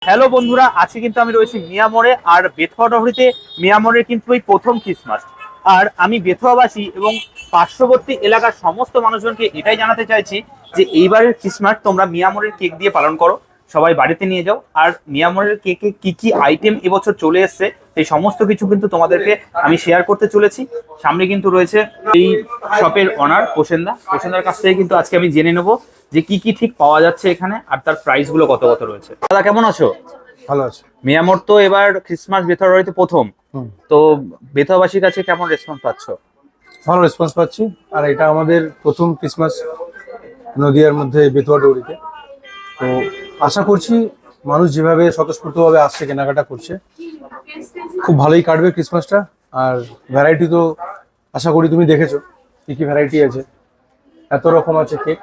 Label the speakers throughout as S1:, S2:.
S1: Hello বন্ধুরা, আজকে কিন্তু আমি রয়েছি মিয়ামোড়ে। আর বেথুয়া ডহরিতে মিয়ামোড়ের কিন্তু এই প্রথম ক্রিসমাস। আর আমি বেথুয়াবাসী এবং পার্শ্ববর্তী এলাকার সমস্ত মানুষজনকে এটাই জানাতে চাইছি যে এইবারের ক্রিসমাস তোমরা মিয়ামোড়ের কেক দিয়ে পালন করো, সবাই বাড়িতে নিয়ে যাও। আর মিয়ামোড়ের কেকে কি কি আইটেম এবছর চলে এসছে সেই সমস্ত কিছু কিন্তু তোমাদেরকে আমি শেয়ার করতে চলেছি। সামনে কিন্তু রয়েছে এই শপের অনার প্রসেনদার কাছ থেকে কিন্তু আজকে আমি জেনে নেবো যে কি কি ঠিক পাওয়া যাচ্ছে এখানে আর তার প্রাইস গুলো কত কত রয়েছে। দাদা কেমন আছো?
S2: ভালো আছে।
S1: মিয়ামোর তো এবার ক্রিসমাস বেথুয়াবাড়িতে প্রথম, তো বেথুয়াবাসীর কাছে কেমন রেসপন্স পাচ্ছ?
S2: ভালো রেসপন্স পাচ্ছি। আর এটা আমাদের প্রথম ক্রিসমাস নদিয়ার মধ্যে বেতুয়া ডৌরিতে। তো আশা করছি মানুষ যেভাবে স্বতঃস্ফূর্তভাবে আসছে, কেনাকাটা করছে, খুব ভালোই কাটবে ক্রিসমাসটা। আর ভ্যারাইটি তো আশা করি তুমি দেখেছো কি কি ভ্যারাইটি আছে, এত রকম আছে কেক।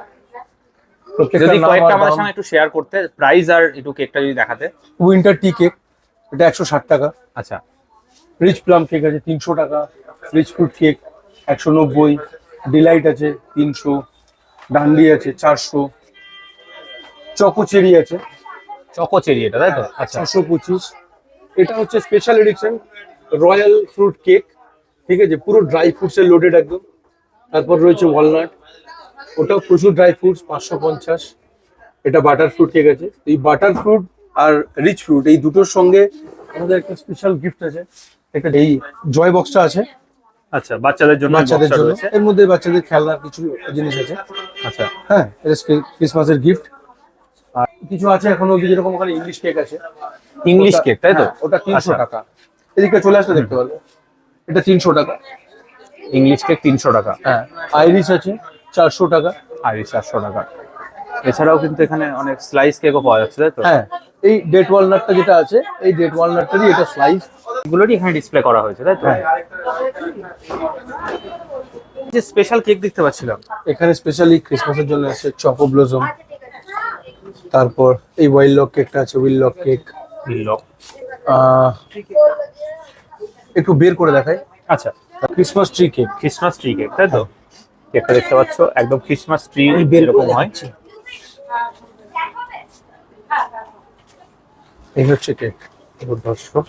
S1: যদি কয়েকটা আমাদের সঙ্গে একটু শেয়ার করতে, প্রাইস আর একটু কেকটা যদি দেখাতে।
S2: উইন্টার টি কেক এটা 160 টাকা।
S1: আচ্ছা।
S2: রিচ প্লাম কেক আছে 300 টাকা। Rich fruit cake 190। ডিলাইট আছে 300। ডান্ডি আছে 400। চকো চেরি আছে
S1: চকো চেরি, এটা তাই তো? আচ্ছা।
S2: 625। এটা হচ্ছে special edition royal fruit cake, ঠিক আছে, পুরো ড্রাই ফ্রুটসের লোডেড একদম। তারপর রয়েছে ওয়ালনাট, ওটাও প্রচুর ড্রাই ফ্রুটস 550। এটা বাটার ফ্রুট কেক আছে। এই বাটার ফ্রুট আর রিচ ফ্রুট এই দুটোর সঙ্গে আমাদের একটা স্পেশাল গিফট আছে। একটা এই জয় বক্সটা আছে।
S1: আচ্ছা, বাচ্চাদের জন্য
S2: এর মধ্যে বাচ্চাদের খেলনার কিছু জিনিস আছে।
S1: আচ্ছা।
S2: হ্যাঁ, এটা ক্রিসমাসের গিফট। আর কিছু আছে এখনো, যেরকম ওখানে ইংলিশ কেক আছে।
S1: ইংলিশ কেক তাই তো?
S2: ওটা 300
S1: আচ্ছা।
S2: টাকা। এদিকে চলে আসলে দেখতে পারবে, এটা 300 টাকা।
S1: ইংলিশ কেক 300 টাকা।
S2: হ্যাঁ, আইরিশ আছে 400 টাকা।
S1: আর 400 টাকা। এছাড়াও কিন্তু এখানে অনেক স্লাইস কেকও পাওয়া যাচ্ছে তাই তো?
S2: হ্যাঁ, এই ডেট ওয়ালনাটটা যেটা আছে, এই ডেট ওয়ালনাটটারই এটা স্লাইস।
S1: এগুলোরই এখানে ডিসপ্লে করা হয়েছে তাই তো?
S2: হ্যাঁ।
S1: যে স্পেশাল কেক দেখতে পাচ্ছিলাম
S2: এখানে স্পেশালি ক্রিসমাসের জন্য আছে চকো ব্লজম। তারপর এই ওয়াইল্ড লক কেকটা আছে, উইল লক কেক।
S1: লক।
S2: একটু বের করে দেখাই।
S1: আচ্ছা।
S2: Christmas tree cake.
S1: Christmas tree cake তাই তো? কেকটা দেখতে পাচ্ছ একদম ক্রিসমাস ট্রি এরকম হয়।
S2: এই হচ্ছে কেক।
S1: দর্শক,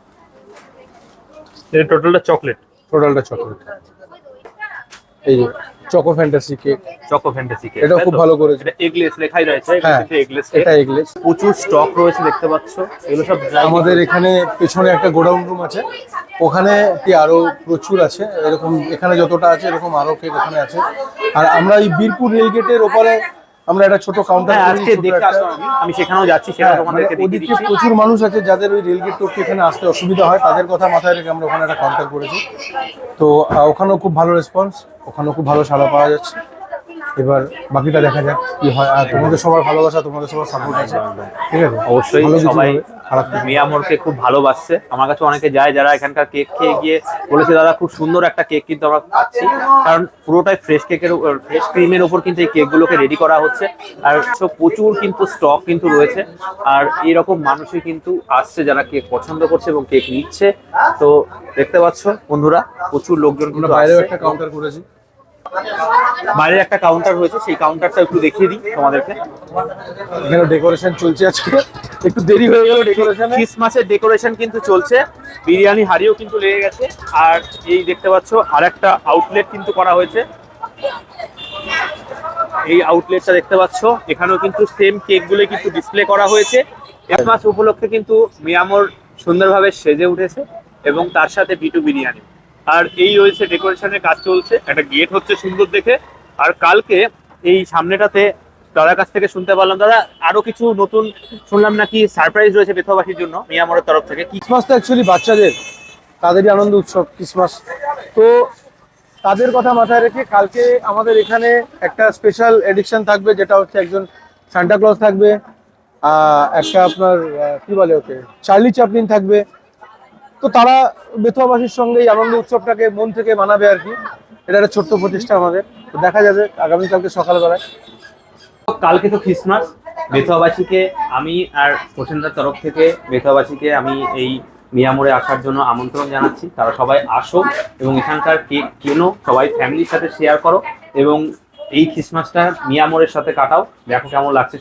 S1: এটা টোটালটা চকলেট।
S2: টোটালটা চকলেট। এই যে choco fantasy cake.
S1: Choco fantasy cake,
S2: এটা খুব ভালো করেছে।
S1: এটা এগলেস লেখাই রয়েছে।
S2: হ্যাঁ,
S1: এগলেস,
S2: এটা এগলেস।
S1: প্রচুর স্টক রয়েছে দেখতে পাচ্ছ। এগুলো সব
S2: আমাদের এখানে পেছনে একটা গোডাউন রুম আছে, ওখানে কি আরো প্রচুর আছে এরকম। এখানে যতটা আছে এরকম আরো কেক ওখানে আছে। আর আমরা এই বীরপুর রেলগেটের ওপরে আমরা একটা ছোট কাউন্টার
S1: আজকে দেখতে আসলাম, আমি সেখানেও যাচ্ছি, সেটা তোমাদেরকে দেখিয়ে
S2: ওদিকে
S1: দিচ্ছি।
S2: প্রচুর মানুষ আছে যাদের ওই রেলগেট টপকে এখানে আসতে অসুবিধা হয়, তাদের কথা মাথায় রেখে আমরা ওখানে একটা কাউন্টার করেছি। তো ওখানেও খুব ভালো রেসপন্স, ওখানেও খুব ভালো সাড়া পাওয়া যাচ্ছে। এবার বাকিটা দেখা যাক কি হয়। আর তোমাদের সবার ভালোবাসা, তোমাদের সবার সাপোর্ট আছে, ঠিক আছে?
S1: অবশ্যই
S2: ভালো কিছু
S1: সবাই
S2: হবে, খারাপ কিছু না।
S1: মিয়ামোরকে খুব ভালোবাসছে। আমার কাছে অনেকে যায় যারা এখানকার কেক খেয়ে গিয়ে বলেছে দাদা খুব সুন্দর একটা কেক কিন্তু আমরা পাচ্ছি, কারণ পুরোটাই ফ্রেশ কেকের ফ্রেশ ক্রিমের উপর কিন্তু এই কেকগুলোকে রেডি করা হচ্ছে। আর সব প্রচুর কিন্তু স্টক কিন্তু রয়েছে। আর এইরকম মানুষই কিন্তু আসছে যারা কেক পছন্দ করছে এবং কেক নিচ্ছে। তো দেখতে পাচ্ছ বন্ধুরা, প্রচুর লোকজন
S2: আমরা
S1: কিন্তু
S2: বাইরেও
S1: আসছে।
S2: একটা কাউন্টার করেছি।
S1: বাইরের একটা কাউন্টার রয়েছে, সেই কাউন্টারটা একটু দেখিয়ে দিই তোমাদেরকে।
S2: এখানে ডেকোরেশন চলছে আজকে, একটু দেরি হয়ে গেল ডেকোরেশনে।
S1: ক্রিসমাসের ডেকোরেশন কিন্তু চলছে, বিরিয়ানি হাড়িও কিন্তু লেগে গেছে। আর এই দেখতে পাচ্ছ আরেকটা আউটলেট কিন্তু করা হয়েছে। এই আউটলেটটা দেখতে পাচ্ছ, এখানেও কিন্তু সেম কেকগুলো কিন্তু ডিসপ্লে করা হয়েছে। ক্রিসমাস উপলক্ষে কিন্তু মিয়ামোর সুন্দরভাবে সেজে উঠেছে এবং তার সাথে বিটু বিরিয়ানি। আর এই রয়েছে ডেকোরেশনের কাজ চলছে, একটা গেট হচ্ছে সুন্দর দেখে। আর কালকে এই সামনেটাতে দাদার কাছ থেকে শুনতে পারলাম, দাদা আরো কিছু নতুন শুনলাম নাকি সারপ্রাইজ রয়েছে বেথুয়াবাসীর জন্য মিয়ামোরের তরফ থেকে। কি?
S2: ক্রিসমাস তো অ্যাকচুয়ালি বাচ্চাদের, তাদেরই আনন্দ উৎসব ক্রিসমাস। তো তাদের কথা মাথায় রেখে কালকে আমাদের এখানে একটা স্পেশাল এডিকশন থাকবে, যেটা হচ্ছে একজন সান্টা ক্লজ থাকবে, একটা আপনার কি বলে ওকে, চার্লি চ্যাপলিন থাকবে। তো তারা বেথুয়াবাসীর সঙ্গে এই আনন্দ উৎসবটাকে মন থেকে মানাবে আর কি। এটা একটা ছোট্ট প্রতিষ্ঠা আমাদের। তো দেখা যাবে আগামীকালকে সকালবেলায়।
S1: কালকে তো ক্রিসমাস, বেথুয়াবাসীকে আমি আর প্রসেনদার তরফ থেকে বেথুয়াবাসীকে আমি এই মিয়ামোড়ে আসার জন্য আমন্ত্রণ জানাচ্ছি। তারা সবাই আসো এবং এখানকার কেক কেনো, সবাই ফ্যামিলির সাথে শেয়ার করো এবং এই ক্রিসমাসটা মিয়ামোড়ের সাথে কাটাও। দেখো কেমন লাগছে সবার।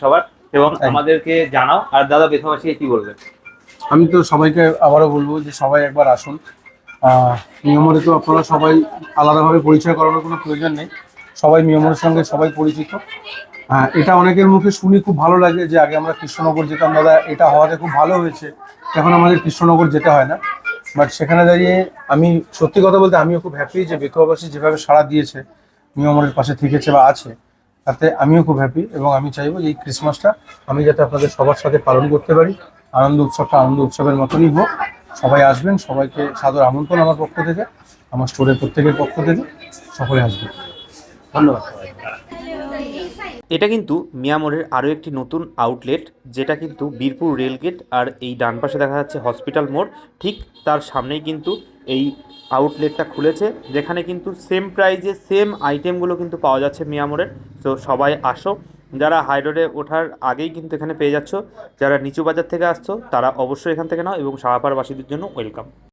S1: এবং
S2: একদম।
S1: আমাদেরকে জানাও। আর দাদা বেথবাসীকে কি বলবেন?
S2: আমি তো সবাইকে আবারও বলবো যে সবাই একবার আসুন। মিয়ামরে তো আপনারা সবাই আলাদাভাবে পরিচয় করানোর কোনো প্রয়োজন নেই, সবাই মিয়ামরের সঙ্গে সবাই পরিচিত। এটা অনেকের মুখে শুনি খুব ভালো লাগে যে আগে আমরা কৃষ্ণনগর যেতাম, দাদা এটা হওয়াতে খুব ভালো হয়েছে, এখন আমাদের কৃষ্ণনগর যেতে হয় না। বাট সেখানে দাঁড়িয়ে আমি সত্যি কথা বলতে আমিও খুব হ্যাপি যে বেথুয়াবাসী যেভাবে সাড়া দিয়েছে, মিয়ামরের পাশে থেকেছে বা আছে, তাতে আমিও খুব হ্যাপি। এবং আমি চাইবো যে এই ক্রিসমাসটা আমি যাতে আপনাদের সবার সাথে পালন করতে পারি, আনন্দ উৎসবটা আনন্দ উৎসবের মতনই হোক। সবাই আসবেন, সবাইকে সাদর আমন্ত্রণ আমার পক্ষ থেকে, আমার স্টোরের প্রত্যেকের পক্ষ থেকে, সকলে আসবেন।
S1: ধন্যবাদ সবাই। এটা কিন্তু মিয়ামরের আরও একটি নতুন আউটলেট, যেটা কিন্তু বীরপুর রেলগেট আর এই ডান পাশে দেখা যাচ্ছে হসপিটাল মোড়, ঠিক তার সামনেই কিন্তু এই আউটলেটটা খুলেছে, যেখানে কিন্তু সেম প্রাইজে সেম আইটেমগুলো কিন্তু পাওয়া যাচ্ছে মিয়ামরের। তো সবাই আসো, যারা হাই রোডে ওঠার আগেই কিন্তু এখানে পেয়ে যাচ্ছ, যারা নিচু বাজার থেকে আসছো তারা অবশ্যই এখান থেকে নাও, এবং সাহাপাড়াবাসীদের জন্য ওয়েলকাম।